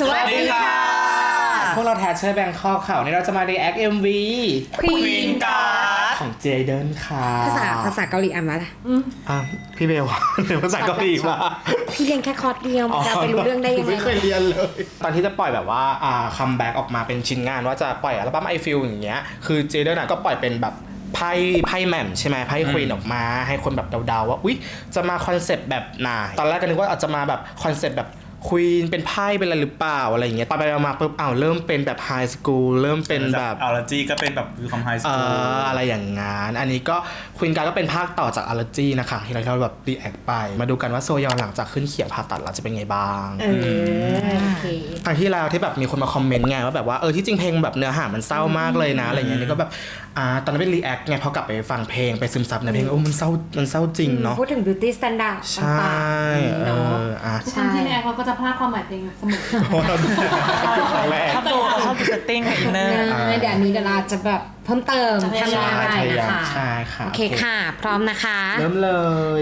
สวัสดีค่ะพวกเราแทชเชอร์แบงคอกค่ะวันนี้เราจะมา react MV Queen Card ของเจเดนค่ะภาษาเกาหลีอ่านมาละพี่เบลเรียนภาษาเกาหลีมาพี่เรียนแค่คอร์สเดียวมันจะไปรู้เรื่องได้ยังไงไม่เคยเรียนเลยตอนที่จะปล่อยแบบว่าคัมแบ็กออกมาเป็นชิ้นงานว่าจะปล่อยอัลบั้ม I Feel อย่างเงี้ยคือเจเดนก็ปล่อยเป็นแบบไพ่แหม่มใช่ไหมไพ่ควีนออกมาให้คนแบบเดาๆว่าอุ๊ยจะมาคอนเซปต์แบบไหนตอนแรกก็นึกว่าอาจจะมาแบบคอนเซปต์แบบควีนเป็นไพ่เป็นอะไรหรือเปล่าอะไรอย่างเงี้ยไปมาปุ๊บเริ่มเป็นแบบไฮสคูลเริ่มเป็นแบบอัลจีก็เป็นแบบคือคำไฮสคูลอะไรอย่างงั้นอันนี้ก็ควีนการก็เป็นภาคต่อจากอัลจีนะคะที่เราแบบรีแอคไปมาดูกันว่าโซยอนหลังจากขึ้นเขียงผ่าตัดเราจะเป็นไงบ้างโอเคครั้งที่แล้วที่แบบมีคนมาคอมเมนต์ไงว่าแบบว่าที่จริงเพลงแบบเนื้อหามันเศร้ามากเลยนะอะไรเงี้ยนี่ก็แบบตอนนั้นเป็นรีแอคไงพอกลับไปฟังเพลงไปซึมซับในเพลงมันเศร้าจริงเนาะพูดถึง beauty standard ใช่ทุกครั้งที่รีแอคเราก็จะพลาดความหมายเพลงเสมอครั้งแรกชอบดูเซตติ้งกับอินเนอร์เดี๋ยวนี้เราจะแบบเพิ่มเติมทำอะไรนะคะใช่ค่ะโอเคค่ะพร้อมนะคะเริ่มเลย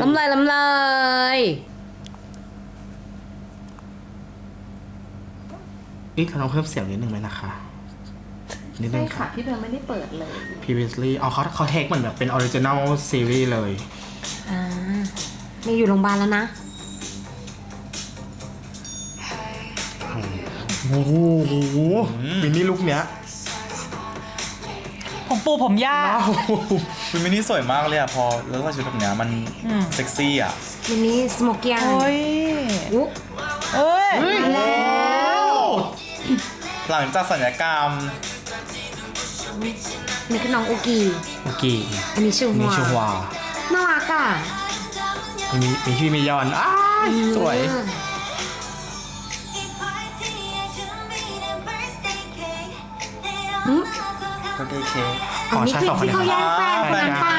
เราต้องเพิ่มเสียงนิดนึงไหมนะคะนิดนึงค่ะพี่เบลไม่ได้เปิดเลย previously เขาเทคเหมือนแบบเป็น original series เลยมีอยู่โรงพยาบาลแล้วนะโอ้โหมินนี่ลุคเนี้ยผมปูผมยากคือมินนี่สวยมากเลยพอแล้วก็ชุดแบบเนี้ยมันเซ็กซี่มินนี่สโมกี้โอ้ยแล้วหลังจากศัลยกรรมนี่คือน้องอุกีอันนี้ชื่อฮวาน่ารักอ่ะมีชื่อมียอนสวยก็ได้เค้กนี่คือที่เขาแย่งแฟนกันไป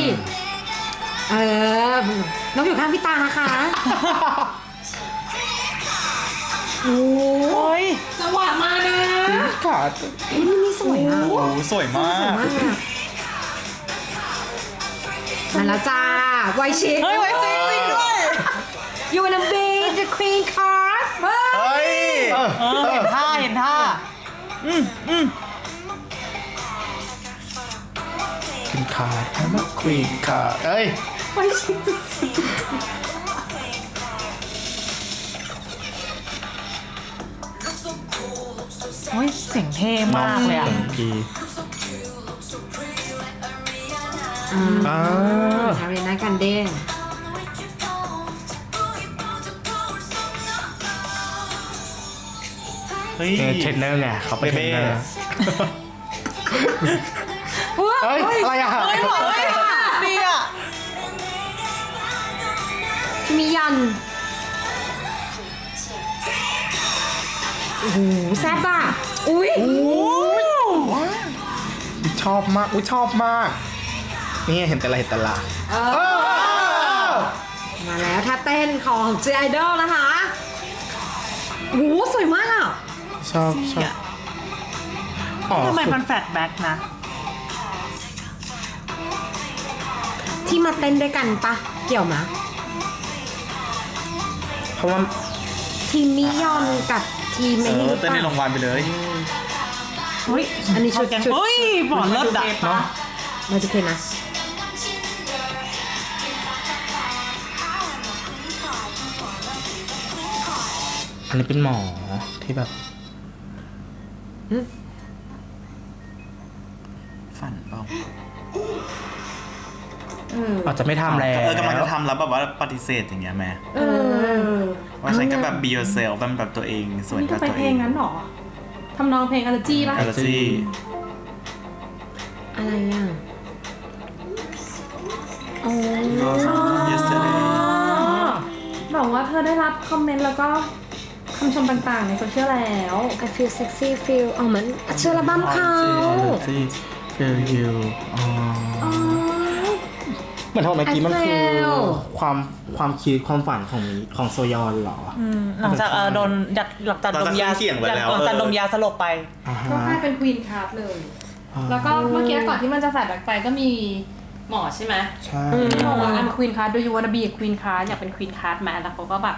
น้องอยู่ข้างพี่ตานะคะโอ้ยจังหวะมานะค่ะนี่สวยอ่ะโอ้สวยมากมาแล้วจ้าไวชิคไวชิคจริงด้วย You wanna be the queen card เฮ้ยเห็นท่า Queen Card I'm a Queen Card ไวชิคโอ้ยเสียงเท่มากเลยอารีนากันเด้งเฮ้ยเทรนเนอร์ไงเขาเป็นเทรนเนอร์อะไรอ่ะดีอ่ะมียันโอ้โหแซ่บอ่ะชอบมากนี่เห็นแต่ละมาแล้วท่าเต้นของ J Idol นะคะโอ้โหสวยมากอ่ะชอบทำไมมันแฟลชแบ็กนะที่มาเต้นด้วยกันปะเกี่ยวมะเพราะว่าทีมมิยอนกับทีมไม่เต้นในโรงพยาบาลไปเลยอันนี้ชุดเฮ้ยหมอนเลิศดักเนาะมาดูเคนะอันนี้เป็นหมอที่แบบฝันเปล่าอาจจะไม่ทำแล้วกำลังจะทำแล้วแบบว่าปฏิเสธอย่างเงี้ยแม่ว่าฉันก็แบบ be yourself แบบตัวเองสวยกับตัวเองเพลงนั้นหรอทำนองเพลงอัลจีป่ะอะไรอ่ะบอกว่าเธอได้รับคอมเมนต์แล้วก็คำชมต่างๆในโซเชียลแล้ว I feel sexy feel เหมือนเชื่อระบ้มเขา feel you เหมือนเมื่อกี้มันคือความคิดความฝันของโซยอนเหรอหลังจากโดนหลังจากดมยาสลบไปก็กลายเป็นควีนคาร์ดเลยแล้วก็เมื่อกี้ก่อนที่มันจะใส่แบ็คไปก็มีหมอใช่ไหมใช่บอกว่าอันควีนคาร์ดดูยูวานาบีควีนคาร์ดอยากเป็นควีนคาร์ดมาแล้วเขาก็แบบ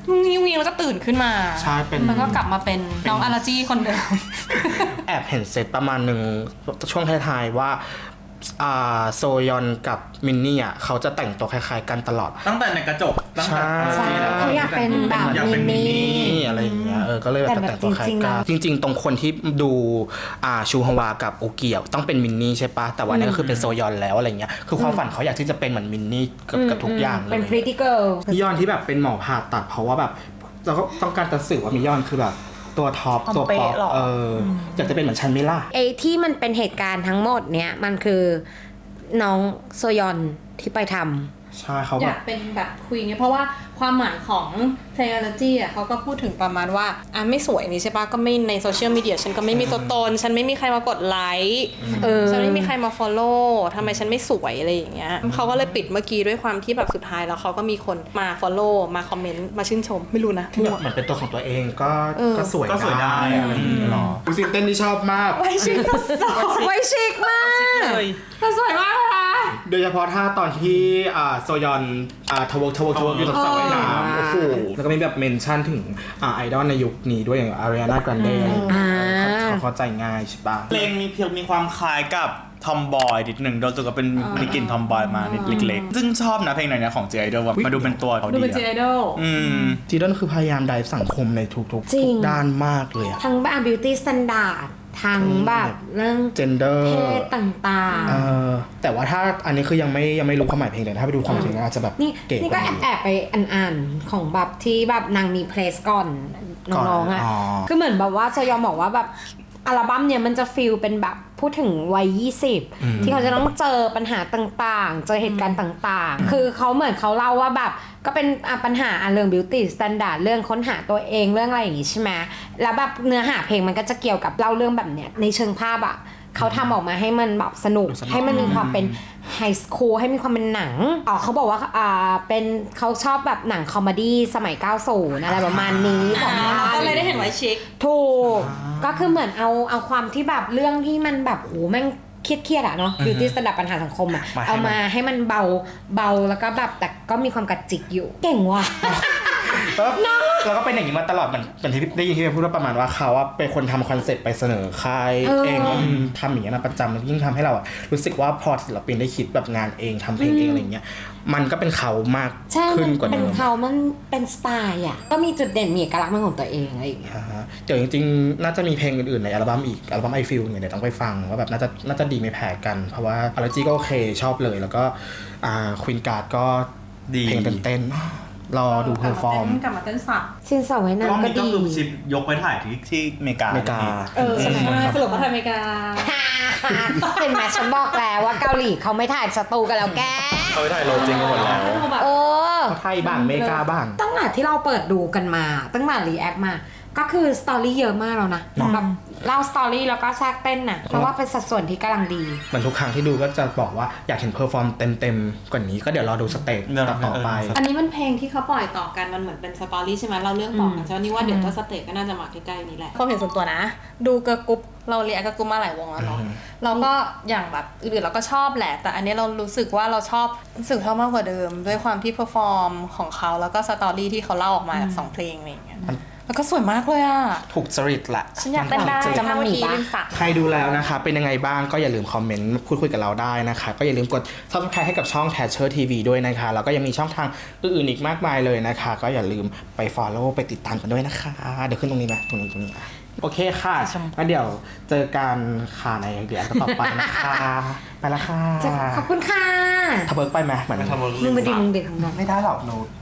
นี่วิ่งแล้วก็ตื่นขึ้นมาใช่เป็นแล้วก็กลับมาเป็นน้องอาราจี้คนเดิมแอบเห็นเซตประมาณหนึ่งช่วงท้ายๆว่าโซยอนกับมินนี่อ่ะเขาจะแต่งตัวคล้ายๆกันตลอดตั้งแต่ในกระจกตั้งแต่ใช่เขาอยากเป็นแบบอยากเป็นมินนี่นี่อะไรอย่างเงี้ยก็เลยแบบแต่งตัวคล้ายกันจริงๆ ตรงคนที่ดูชูฮวากับโอเกียวต้องเป็นมินนี่ใช่ปะแต่ว่านี่ก็คือเป็นโซยอนแล้วอะไรเงี้ยคือความฝันเขาอยากที่จะเป็นเหมือนมินนี่กับทุกอย่างเลยเป็น pretty girl มิยอนที่แบบเป็นหมอผ่าตัดเพราะว่าแบบเราก็ต้องการจะสื่อว่ามิยอนคือแบบตัวท็อปตัวป๊อปอยากจะเป็นเหมือนชันมิล่าไอ้ที่มันเป็นเหตุการณ์ทั้งหมดเนี้ยมันคือน้องโซยอนที่ไปทำใช่เขาอแบยาบกเป็นแบบคุยไงเพราะว่าความหมายของ Playology อ่ะเขาก็พูดถึงประมาณว่าไม่สวยนี่ใช่ปะก็ไม่ในโซเชียลมีเดียฉันก็ไม่มีตัวตน ฉันไม่มีใครมากดไลค์ฉันไม่มีใครมา follow ทำไมฉันไม่สวยอะไรอย่างเงี้ยเขาก็เลยปิดเมื่อกี้ด้วยความที่แบบสุดท้ายแล้วเขาก็มีคนมา follow มาคอมเมนต์มาชื่นชมไม่รู้นะที่แบบเหมือนเป็นตัวของตัวเองก็สวยก็สวยได้อะไรอย่างเงี้ยหรอดูสิเต้นที่ชอบมากไวชิกไวชิกมากแต่สวยมากเลยนะโดยเฉพาะท่าตอนที่โซยอนทวกอยู่ตรงสระว่ายน้ำโอ้โหแล้วก็มีแบบเมนชั่นถึงไอดอลในยุคนี้ด้วยอย่างอารีนาแกรนเดเขาเข้าใจง่ายใช่ปะเพลงมีความคล้ายกับทอมบอยนิดหนึ่งโดยตัวก็เป็นมีกลิ่นทอมบอยมานิดเล็กๆซึ่งชอบนะเพลงไหนเนี่ยของ J-Idol แบบมาดูเป็นตัวเขาดูดีเป็น J-Idol จีดอนคือพยายามไดฟ์สังคมในทุกจริงด้านมากเลยอะทั้งแบบ beauty standard ทั้งแบบเรื่อง gender เพศต่างแต่ว่าถ้าอันนี้คือยังไม่รู้ความหมายเพลงเลยถ้าไปดูความจริงอาจจะแบบๆ นี่เก๋นี่กก็ว่านี้แอบไปอ่านของแบบที่แบบนางมีเพลสก่อนน้องๆอ่ะอ๋อคือเหมือนแบบว่าโซยอมบอกว่าแบบอัลบั้มเนี่ยมันจะฟีลเป็นแบบพูดถึงวัย 20 ที่เขาจะต้องเจอปัญหาต่างๆ เจอเหตุการณ์ต่างๆ คือเขาเหมือนเขาเล่าว่าแบบก็เป็นปัญหาเรื่อง beauty standard เรื่องค้นหาตัวเองเรื่องอะไรอย่างงี้ใช่ไหมแล้วแบบเนื้อหาเพลงมันก็จะเกี่ยวกับเล่าเรื่องแบบเนี้ยในเชิงภาพอะเขาทำออกมาให้มันแบบสนุกให้มันมีความเป็นไฮสคูลให้มีความเป็นหนังเขาบอกว่าเป็นเขาชอบแบบหนังคอมเมดี้สมัย 90 อะไรประมาณนี้ของบ้านก็เลยได้เห็นไว้ชิคถูกก็คือเหมือนเอาความที่แบบเรื่องที่มันแบบโหแม่งเครียดๆอะเนาะ beauty standard ปัญหาสังคมอะเอามาให้มันเบาแล้วก็แบบแต่ก็มีความกระจิกอยู่เก่งว่ะแล้วก็เป็นอย่างนี้มาตลอดเหมือนที่ได้ยินที่พูดว่าประมาณว่าเขาว่าเป็นคนทำคอนเซ็ปต์ไปเสนอค่ายเองทำอย่างนี้ยมาประจำมันยิ่งทำให้เรารู้สึกว่าพอศิลปินได้คิดแบบงานเองทำเพลงเองอะไรเงี้ยมันก็เป็นเขามากใช่ขึ้มันกว่าเป็เดินมเขามันเป็นสไตล์อะก็มีจุดเด่นมีเอกลักษณ์เป็นของตัวเองอะไรอย่างเงี้ยเดี๋ยวจริงๆน่าจะมีเพลงอื่นๆในอัลบั้มอีกอัลบั้ม I Feel เนี่ยเดี๋ยวต้องไปฟังว่าแบบน่าจะดีไม่แพ้กันเพราะว่าอัลจีก็โอเคชอบเลยแล้วก็ควีนการ์ดก็ดีเพลงเต้นรอดูเพอร์ฟอร์มกลับมาเต้นสับซินสาวไว้รอบน้ำก็นี้ก็ดีคือชิปยกไปถ่ายที่อเมริกาอเมริกาใช่ไหมสรุปว่าไทยอเมริกาเห็นไหมฉันบอกแล้วว่าเกาหลีเขาไม่ถ่ายสตูกันแล้วแกเขาไปถ่ายโรจริงกันหมดแล้วเออไทยบ้างอเมริกาบ้างตั้งแต่ที่เราเปิดดูกันมาตั้งแต่รีแอคมาก็คือสตอรี่เยอะมากแล้วนะแบบเล่าสตอรี่แล้วก็แทรกเต้นน่ะเพราะว่าเป็นสัดส่วนที่กำลังดีเหมือนทุกครั้งที่ดูก็จะบอกว่าอยากเห็นเพอร์ฟอร์มเต็มๆกว่านี้ก็เดี๋ยวรอดูสเตจต่อไปอันนี้มันเพลงที่เขาปล่อยต่อกันมันเหมือนเป็นสตอรี่ใช่ไหมเราเรื่องต่อกันใช่ไหมนี่ว่าเดี๋ยวถ้าสเตจก็น่าจะมาใกล้ๆนี้แหละความเห็นส่วนตัวนะ ดูเกิร์ลกรุ๊ปเราเรียกเกิร์ลกรุ๊ปมาหลายวงแล้วเนาะเราก็อย่างแบบอื่นๆเราก็ชอบแหละแต่อันนี้เรารู้สึกว่าเราชอบมากกว่าเดิมด้วยความที่เพอร์ฟอร์มของเขาแล้วก็สตอรี่ที่เขาเล่าออกมาจาก2เพลงอะไรอย่างเงี้ยแล้วก็สวยมากเลยอ่ะถูกจริตแหละฉันอยากเต้นได้จะมามีปะใครดูแล้วนะคะ เป็นยังไงบ้างก็อย่าลืมคอมเมนต์พูดคุยกับเราได้นะคะ ก็อย่าลืมกด subscribe ให้กับช่อง Thatcher TV ด้วยนะคะ แล้วก็ยังมีช่องทางอื่นๆอีกมากมายเลยนะคะ ก็อย่าลืมไป follow ไปติดตามกันด้วยนะคะ เดี๋ยวขึ้นตรงนี้ไหมตรงนี้อ่ะโอเคค่ะแล้วเดี๋ยวเจอกันค่ะในเดี๋ยวต่อไปนะคะไปละค่ะขอบคุณค่ะทะเบิร์กไปไหมเหมือนทำมึงมาดีมึงเด็กของเราไม่ได้หรอกหนู